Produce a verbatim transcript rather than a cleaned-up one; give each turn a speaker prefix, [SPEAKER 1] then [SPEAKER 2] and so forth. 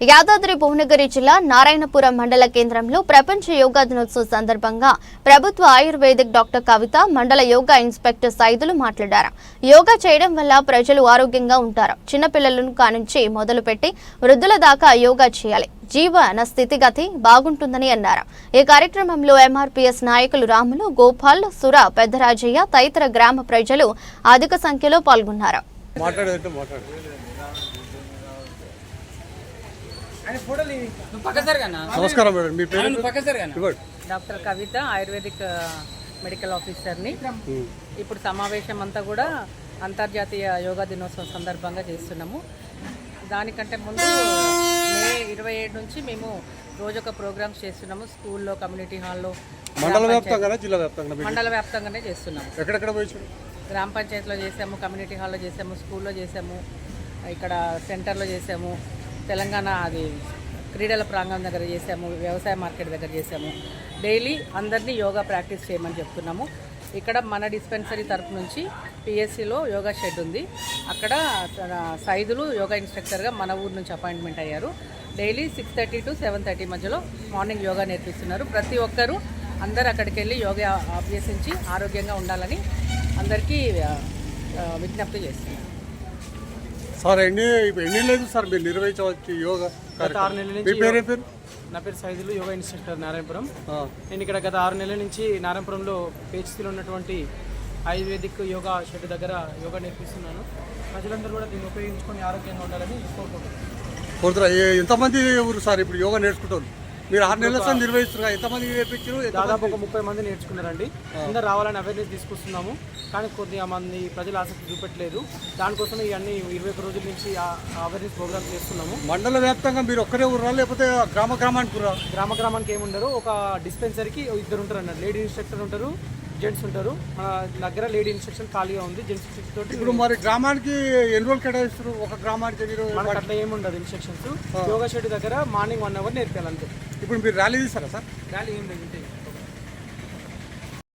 [SPEAKER 1] యాదాద్రి భువనగిరి జిల్లా నారాయణపురం మండల కేంద్రంలో ప్రపంచ యోగా దినోత్సవం సందర్భంగా ప్రభుత్వ ఆయుర్వేదిక్ డాక్టర్ కవిత, మండల యోగా ఇన్స్పెక్టర్ సైదులు మాట్లాడారు. యోగా చేయడం వల్ల ప్రజలు ఆరోగ్యంగా ఉంటారు. చిన్నపిల్లలను కానుంచి మొదలుపెట్టి వృద్ధుల దాకా యోగా చేయాలి. జీవన స్థితిగతి బాగుంటుందని అన్నారు. ఈ కార్యక్రమంలో ఎంఆర్పీఎస్ నాయకులు రాములు, గోపాల్, సుర, పెద్దరాజయ్య తదితర గ్రామ ప్రజలు అధిక సంఖ్యలో పాల్గొన్నారు.
[SPEAKER 2] నమస్కారం మేడం, మీ పేరు?
[SPEAKER 3] డాక్టర్ కవిత, ఆయుర్వేదిక్ మెడికల్ ఆఫీసర్ని. ఇప్పుడు సమావేశం అంతా కూడా అంతర్జాతీయ యోగా దినోత్సవం సందర్భంగా చేస్తున్నాము. దానికంటే ముందు మే ఇరవై ఏడు నుంచి మేము రోజొక ప్రోగ్రామ్స్ చేస్తున్నాము. స్కూల్లో, కమ్యూనిటీ హాల్లో,
[SPEAKER 2] మండల వ్యాప్తంగా జిల్లా వ్యాప్తంగా
[SPEAKER 3] మండల వ్యాప్తంగానే చేస్తున్నాము.
[SPEAKER 2] ఎక్కడెక్కడ పోయి?
[SPEAKER 3] గ్రామ పంచాయతీలో చేసాము, కమ్యూనిటీ హాల్లో చేసాము, స్కూల్లో చేసాము, ఇక్కడ సెంటర్లో చేసాము, తెలంగాణ అది క్రీడల ప్రాంగణం దగ్గర చేసాము, వ్యవసాయ మార్కెట్ దగ్గర చేసాము. డైలీ అందరినీ యోగా ప్రాక్టీస్ చేయమని చెప్తున్నాము. ఇక్కడ మన డిస్పెన్సరీ తరపు నుంచి పిఎస్సిలో యోగా షెడ్ ఉంది. అక్కడ సైదులు యోగా ఇన్స్ట్రక్టర్గా మన ఊరు నుంచి అపాయింట్మెంట్ అయ్యారు. Daily six thirty to seven thirty మధ్యలో మార్నింగ్ యోగా నేర్పిస్తున్నారు. ప్రతి ఒక్కరూ అందరు అక్కడికి వెళ్ళి యోగా అభ్యసించి ఆరోగ్యంగా ఉండాలని అందరికీ విజ్ఞప్తి చేస్తున్నారు.
[SPEAKER 2] సార్ ఎన్ని ఎన్ని లేదు సార్ మీరు నిర్వహించవచ్చు యోగా?
[SPEAKER 4] గత ఆరు నెలల నుంచి.
[SPEAKER 2] పేరు పేరు?
[SPEAKER 4] నా పేరు సైదులు, యోగా ఇన్స్ట్రక్టర్, నారాయణపురం. నేను ఇక్కడ గత ఆరు నెలల నుంచి నారాయణపురంలో పేచిలో ఉన్నటువంటి ఆయుర్వేదిక్ యోగా షెడ్ దగ్గర యోగా నేర్పిస్తున్నాను. ప్రజలందరూ కూడా దీన్ని ఉపయోగించుకొని ఆరోగ్యంగా ఉండాలని కోరుకుంటున్నాను.
[SPEAKER 2] ఎంతమంది ఊరు సార్ ఇప్పుడు యోగా నేర్చుకుంటారు? మీరు ఆరు నెలల సార్ నిర్వహిస్తున్నారు, ఎంతమంది నేర్పించారు?
[SPEAKER 4] దాదాపు ఒక ముప్పై మంది నేర్చుకున్నారండి. అందరూ రావాలని అవేర్నెస్ తీసుకొస్తున్నాము. కానీ కొద్దిగా మంది ప్రజలు ఆసక్తి చూపెట్టలేదు. దానికోసం ఇవన్నీ ఇరవై ఒక రోజుల నుంచి అవేర్నెస్ ప్రోగ్రామ్ చేస్తున్నాము.
[SPEAKER 2] మండల వ్యాప్తంగా మీరు ఒక్కరే ఊరా లేకపోతే గ్రామ గ్రామానికి ఊరా?
[SPEAKER 4] గ్రామ గ్రామానికి ఏముండరు, ఒక డిస్పెన్సరీకి ఇద్దరు ఉంటారు అన్నారు. లేడీ ఇన్స్ట్రక్టర్ ఉంటారు, జెంట్స్ ఉంటారు. మన దగ్గర లేడీ ఇన్స్ట్రక్షన్ ఖాళీగా ఉంది, జెంట్స్ ఇన్స్ట్రక్షన్ తోటి.
[SPEAKER 2] ఇప్పుడు మరి గ్రామానికి ఎన్ని రోజులు కేటాయిస్తారు? ఒక గ్రామానికి
[SPEAKER 4] మనకు అట్లా ఏముండదు ఇన్స్ట్రక్షన్స్. యోగా షెడ్ దగ్గర మార్నింగ్ వన్ అవర్ నేర్పాలి అంతే.
[SPEAKER 2] ఇప్పుడు మీరు ర్యాలీ తీస్తారా సార్?
[SPEAKER 4] ర్యాలీ ఏం లేదు.